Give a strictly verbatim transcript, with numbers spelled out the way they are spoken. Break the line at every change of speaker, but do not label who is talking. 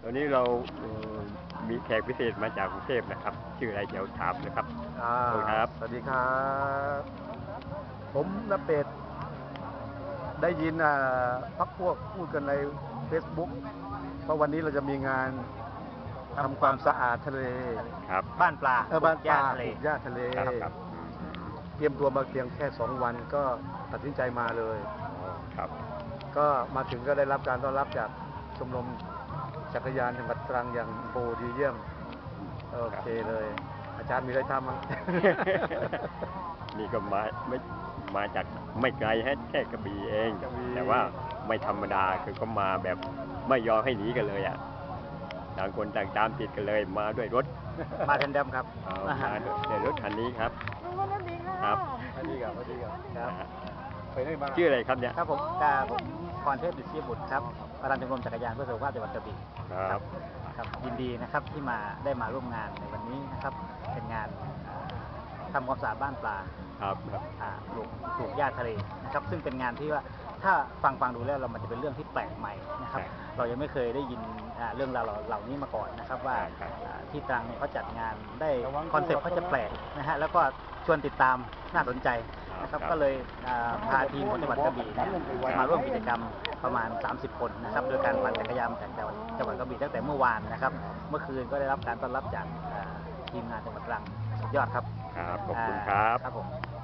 ตอนนี้เราเอ่อมีแขกพิเศษมาจากกรุงเทพนะครับ ชื่ออะไรเดี๋ยวถามนะครับ
อ่า
สวัสดีครับ
สวัสดีครับ ผมนเป็ดได้ยินอ่าพักพวกพูดกันใน Facebook เพราะวันนี้เราจะมีงานทำความสะอาดทะเล
ครับ
บ้านปลา
เออบ้านปลา
ทะเล
ปลูกหญ้าทะเล
ครับครับ
เตรียมตัวมาเพียงแค่สองวันก็ตัดสินใจมาเลย
อ๋อครับ
ก็มาถึงก็ได้รับการต้อนรับจากชมรมจักรยานจังหวัดตรังอย่างโบดีเยี่ยม โอเคเลย อาจารย์มีอะไรทำมั้ง
นี่ก็มาไม่มาจากไม่ไกลฮะแค่กระบี่เอง
กระบี่
แต่ว่าไม่ธรรมดาคือก็มาแบบไม่ยอมให้หนีกันเลยอ่ะต่างคนต่างตามติดกันเลยมาด้วยรถ
มาแทนเดิมครับ
เอามาด้วยรถคันนี้ครับ ครับ
สวัสดีครับสวัสดีครับ
นะฮะ
ไปได้มา
ชื่ออะไรครับเนี่ย
ครับผมกาผมพรเทพดิษฐีบุตรครับประธานชมรมจักรยานเพื่อสุขภาพจังหวัดกระบี่
ครับ
ครับยินดีนะครับที่มาได้มาร่วมงานในวันนี้นะครับเป็นงานอ่าทำความสะอาดบ้านปลา
ครับครับ
อ่าปลูกปลูกหญ้าทะเลนะครับซึ่งเป็นงานที่ว่าถ้าฟังฟังดูแล้วเรามันจะเป็นเรื่องที่แปลกใหม่นะครับ เรายังไม่เคยได้ยินอ่าเรื่องราวเหล่านี้มาก่อนนะครับว่าอ่าที่ตรังเนี่ยเขาจัดงานได้คอนเซ็ปต์เขาจะแปลกนะฮะแล้วก็ชวนติดตามน่าสนใจนะครับก็เลยอ่าพาทีมของจังหวัดกระบี่เนี่ยมาร่วมกิจกรรมประมาณ สามสิบ คนนะครับโดยการปั่นจักรยานจากจังหวัดจังหวัดกระบี่ตั้งแต่เมื่อวานนะครับเมื่อคืนก็ได้รับการต้อนรับจากอ่าทีมงานจังหวัดตรังสุดยอดครับ
ครับขอบคุณครับ
ครับผม